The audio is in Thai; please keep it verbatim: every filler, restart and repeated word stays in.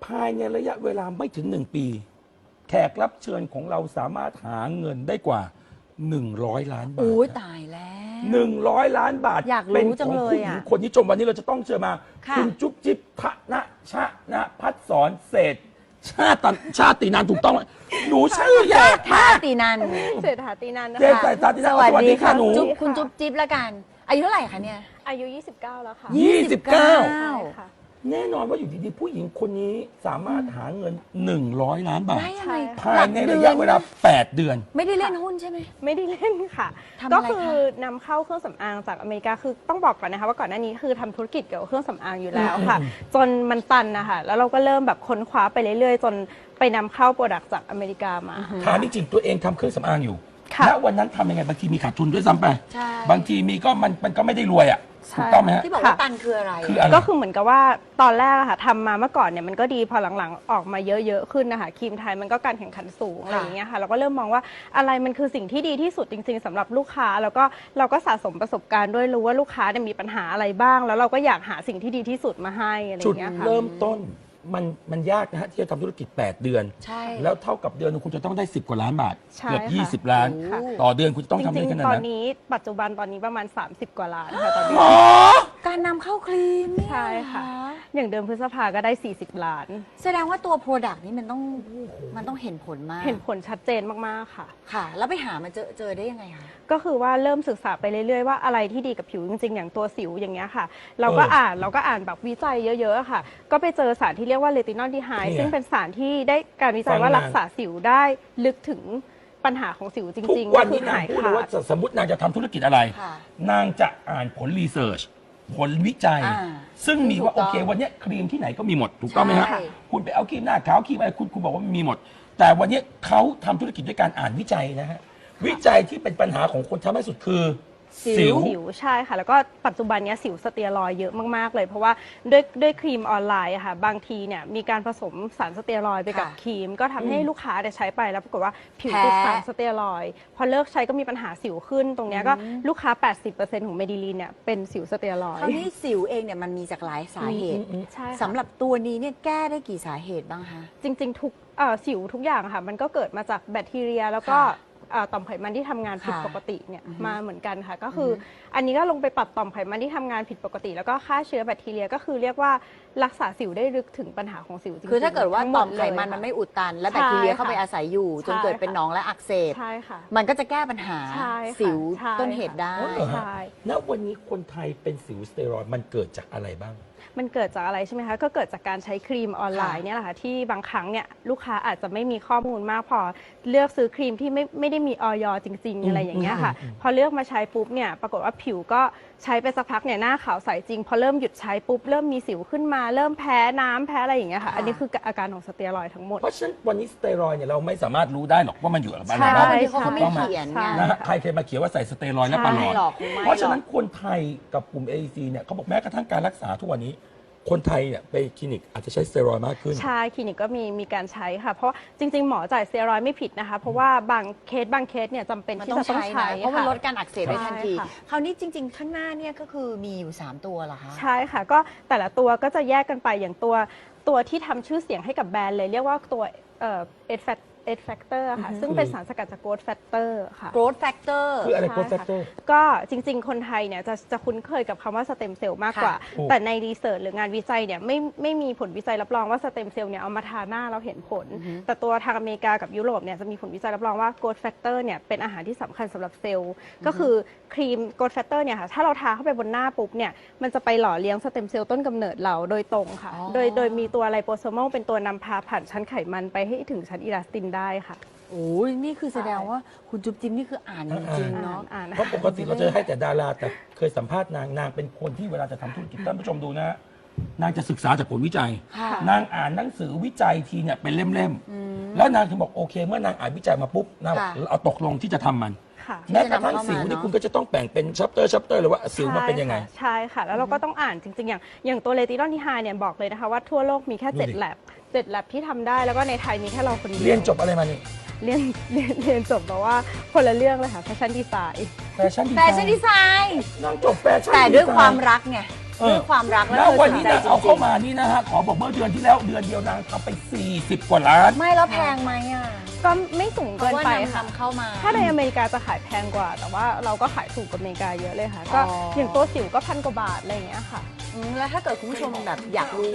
ภายในระยะเวลาไม่ถึงหนึ่งปี แขกรับเชิญของเราสามารถหาเงินได้กว่าหนึ่งร้อยล้านบาทโอ้ยตายแล้วหนึ่งร้อยล้านบาทอยากรู้เป็นจัของ งเลยผู้หญิงอะคนนี้ชมวันนี้เราจะต้องเจอมาค่ะณจุ๊บจิ๊บทะนะชะนะพัดสอนเศรษฐ์ชาติชาตินานถูกต้องไหมหนูชื่อยากท่ามากตีนันเศรษฐาตีนันนะเจ๊คะใส่ตาที่สนั่นวัสสวัสดีดีค่ะค่ะหนูจุ๊บคุณจุ๊บจิ๊บละกัน อายุเท่าไหร่คะเนี่ยอายุ ยี่สิบเก้า แล้วค่ะยี่สิบเก้าใช่ค่ะแน่นอนว่าอยู่ดีๆ ผู้หญิงคนนี้สามารถหาเงินหนึ่งร้อยล้านบาทได้ยังไงภายในระยะเวลาแปดเดือนไม่ได้เล่นหุ้นใช่ไหมไม่ได้เล่นค่ะทำอะไรก็คะคือนำเข้าเครื่องสำอางจากอเมริกาคือต้องบอกก่อนนะคะว่าก่อนหน้านี้คือทำธุรกิจเกี่ยวกับเครื่องสำอางอยู่แล้วค่ะ จนมันตันนะคะแล้วเราก็เริ่มแบบค้นคว้าไปเรื่อยๆ จนไปนำเข้าโปรดักต์จากอเมริกามาถามจริงๆตัวเองทำเครื่องสำอางอยู่ค่ะแล้ววันนั้นทำยังไงบางทีมีขาดทุนด้วยซ้ำไปใช่บางทีมีก็มันมันก็ไม่ได้รวยอ่ะใช่ถูกต้องไหมฮะที่บอกว่าตันคืออะไรคืออะไรก็คือเหมือนกับว่าตอนแรกอะค่ะทำมาเมื่อก่อนเนี่ยมันก็ดีพอหลังๆออกมาเยอะๆขึ้นนะคะครีมไทยมันก็การแข่งขันสูงอะไรอย่างเงี้ยค่ะเราก็เริ่มมองว่าอะไรมันคือสิ่งที่ดีที่สุดจริงๆสำหรับลูกค้าแล้วก็เราก็สะสมประสบการณ์ด้วยรู้ว่าลูกค้าเนี่ยมีปัญหาอะไรบ้าง แล้วเราก็อยากหาสิ่งที่ดีที่สุดมาให้อะไรอจุดย่างเงี้ยค่ะเริ่มต้นมันมันยากนะฮะที่จะทำธุรกิจ แปด เดือนใช่แล้วเท่ากับเดือนหนึงคุณจะต้องได้สิบกว่าล้านบาทใช่เกือบค่ะยี่สิบล้านค่ะต่อเดือนคุณจะต้องจทำได้ริงขนาดๆ ตอนนั้นนี้ปัจจุบันตอนนี้ประมาณ สามสิบ กว่าล้านค่ะตอนหมนี้อการนำเข้าครีมเนี่ยใช่ค่ะ อย่างเดิมพฤษภาก็ได้ สี่สิบ ล้านแสดงว่าตัวโปรดักต์นี้มันต้องมันต้องเห็นผลมากเห็นผลชัดเจนมากๆค่ะค่ะ แล้วไปหามาเจอเจอได้ยังไงคะก็คือว่าเริ่มศึกษาไปเรื่อยๆว่าอะไรที่ดีกับผิวจริงๆ อย่างตัวสิวอย่างเงี้ยค่ะ เราก็เอออ่อ่านเราก็อ่านแบบวิจัยเยอะๆค่ะ ก็ไปเจอสารที่เรียกว่าเลตินอลดีไฮเนี่ยซึ่งเป็นสารที่ได้การวิจัยฟังว่ามารัรักษาสิวได้ลึกถึงปัญหาของสิวจทุกริงๆวัก็นคืนี้อนางหายพูดเลขายว่าดสมมตินางจะทำธุรกิจอะไรค่ะนางจะอ่านผลรีเสิร์ชผลวิจัยอ่าซึ่งมีว่าถูโอกต้องเควันเนี้ยครีมที่ไหนก็มีหมด ถูกต้องไหมฮะใช่คุณไปเอาครีมหน้าขาวครีมอะไรคุณคุณบอกว่ามันมีหมด แต่วันเนี้ยเขาทำธุรกิจด้วยการอ่านวิจัยนะฮะวิจัยที่เป็นปัญหาของคนทำให้สุดคือ สิวสิวใช่ค่ะ แล้วก็ปัจจุบันเนี้ยสิวสเตียรอยด์เยอะมากๆเลย เพราะว่าด้วยด้วยครีมออนไลน์อะค่ะบางทีเนี่ยมีการผสมสารสเตียรอยด์ไปกับค่ะครีม ก็ทำให้ลูกค้าเนี่ยใช้ไปแล้วปรากฏว่าผิวแพ้ติดสารสเตียรอยด์พอเลิกใช้ก็มีปัญหาสิวขึ้น ตรงเนี้ยก็ลูกค้า แปดสิบเปอร์เซ็นต์ ของเมดิลีนเนี่ยเป็นสิวสเตียรอยคราวด์นี้สิวเองเนี่ยมันมีจากหลายสาเหตุใช่ค่ะสำหรับตัวนี้เนี่ยแก้ได้กี่สาเหตุบ้างคะจริงๆ ทุกเอ่อสิวทุกอย่างค่ะมันก็เกิดมาจากแบคทีเรีย แล้วก็ค่ะเอ่อต่อมไขมันที่ทำงานผิดค่ะปกติเนี่ยอือฮึมาเหมือนกันค่ะ ก็คือออันนี้ก็ลงไปปรับต่อมไขมันที่ทำงานผิดปกติ แล้วก็ฆ่าเชื้อแบคทีเรียก็คือเรียกว่ารักษาสิวได้ลึกถึงปัญหาของสิวจริงๆคือถ้าเกิดว่าทั้งหต่มอมไขมันเลยมันค่ะไม่อุดตัน และใช่แบคทีเรียเข้าค่ะไปอาศัยอยู่ จนใช่เกิดเป็นค่ะหนองและอักเสบใช่ค่ะมันก็จะแก้ปัญหาใช่ค่ะสิวใช่ต้นเหตุได้อ๋อเหรอฮะใช่ณวันนี้คนไทยเป็นสิวสเตียรอยด์มันเกิดจากอะไรบ้างมันเกิดจากอะไรใช่ไหมคะ ก็เกิดจากการใช้ครีมออนไลน์เนี่ยแหละค่ะที่บางครั้งเนี่ยลูกค้าอาจจะไม่มีข้อมูลมากพอเลือกซื้อครีมที่ไม่ไม่ได้มีออยจริง ๆ อะไรอย่างเงี้ยค่ะอืมอืมพอเลือกมาใช้ปุ๊บเนี่ยปรากฏว่าผิวก็ใช้ไปสักพักเนี่ยหน้าขาวใสจริง พอเริ่มหยุดใช้ปุ๊บเริ่มมีสิวขึ้นมา เริ่มแพ้น้ำแพ้อะไรอย่างเงี้ยค่ะค่ะอันนี้คืออาการของสเตียรอยด์ทั้งหมดเพราะฉะนั้นวันนี้สเตียรอยด์เนี่ยเราไม่สามารถรู้ได้หรอกว่ามันอยู่กับอะไรใช่บ้างบางทีเขาก็ไม่ต้องมาเขียนไงใช่นะฮะใครเคยมาเขียนว่าใส่สเตียรอยด์และปลาหลอไม่ดหรอกคงไม่เพราะฉะหรนั้อน กคนไทยกับกลุ่ม เอ ซี เนี่ยเขาบอกแม้กระทั่งการรักษาทุกวันนี้ คนไทยเนี่ยไปคลินิกอาจจะใช้สเตียรอยด์มากขึ้นใช่คลินิกก็มีมีการใช้ค่ะ เพราะจริง ๆ หมอจ่ายสเตียรอยด์ไม่ผิดนะคะ เพราะว่าบางเคสบางเคสเนี่ยจำเป็นมันที่ต้องจะต้องใช้ใช้นะเพราะมันค่ลดการอักเสบได้ทันทีใช่ค่ะคราวนี้จริง ๆ ข้างหน้าเนี่ยก็คือมีอยู่ สาม ตัวเหรอคะใช่ค่ะ ก็แต่ละตัวก็จะแยกกันไปอย่างตัวตัวที่ทำชื่อเสียงให้กับแบรนด์เลย เรียกว่าตัวเอ่อเอ เอ factor ค่ะอือฮึซึ่งเป็นสารสกัดจาก growth factor ค่ะ growth factor คืออะไรใช่โกรทแฟค่ะกเตอร์ก็จริง ๆ คนไทยเนี่ยจะจะคุ้นเคยกับคำว่าสเต็มเซลล์มากกว่าค่ะถูกแต่ในรีเสิร์ชหรืองานวิจัยเนี่ยไม่ไม่มีผลวิจัยรับรองว่าสเต็มเซลล์เนี่ยเอามาทาหน้าเราเห็นผลอือฮึแต่ตัวทางอเมริกากับยุโรปเนี่ยจะมีผลวิจัยรับรองว่า growth factor เนี่ยเป็นอาหารที่สำคัญสำหรับเซลล์ ก็คือครีม growth factor เนี่ยค่ะถ้าเราทาเข้าไปบนหน้าปุ๊บเนี่ยมันจะไปหล่อเลี้ยงสเต็มเซลล์ต้นกำเนิดเราโดยตรงค่ะอ๋อโดยโดยมีตัวไลโปโซมอลเป็นตัวนำพาผ่านชั้นไขมันไปให้ถึงชั้นอิลาสตินได้ค่ะโอ้ยนี่คือแสดงว่าคุณจุ๊บจิ๊บนี่คืออ่านจริงๆเนาะอ่านเพราะปกติเราจะให้แต่ดาราแต่เคยสัมภาษณ์นางนางเป็นคนที่เวลาจะทำธุรกิจท่านผู้ชมดูนะฮะนางจะศึกษาจากผลวิจัยค่ะนางอ่านหนังสือวิจัยทีเนี่ยเป็นเล่มๆแล้วนางถึงบอกโอเค เมื่อนางอ่านวิจัยมาปุ๊บนางบอกค่ะเอาตกลงที่จะทำมันค่ะแม้กระทั่งที่จะนำเข้ามาสิวนี่เนอะคุณก็จะต้องแบ่งเป็นชัปเตอร์ชัปเตอร์เลยว่าสิวมันเป็นยังไงใช่ค่ะใช่ค่ะ แล้วเราก็ต้องอ่านจริง ๆ อย่างอย่างตัวเลตินอลที่ไฮเนี่ยบอกเลยนะคะว่าทั่วโลกมีแค่ดูดิเจ็ดแลบเจ็ดแลบที่ทำได้แล้วก็ในไทยมีแค่เราคนเดียวเรียนจบอะไรมานี่เรียนเรียนเรียนจบแต่ว่าคนละเรื่องเลยค่ะแฟชั่นดีไซน์แฟชั่นดีแฟไซชั่นน์ดีไซน์นางจบแฟชั่นแต่ด้วยไซน์ความรักไงเออด้วยความรักและแล้วเธอวันสนนี้ใจนางจเอาริเข้าง มานี่นะฮะ ขอบอกเมื่อเดือนที่แล้วเดือนเดียวนางทำไป สี่สิบ กว่าล้านๆไม่แล้วแพงไหมอ่ะก็ไม่สูงเพเกิราะนว่าไปนำค่ะนำเข้ามาถ้าในอเมริกาจะขายแพงกว่า แต่ว่าเราก็ขายถูกกว่าอเมริกาเยอะเลยค่ะ ก็อ๋อออย่างตัวสิวก็พันกว่าบาทอะไรอย่างเงี้ยค่ะอืมแล้วถ้าเกิดคุณผู้ชมแบบอยากรู้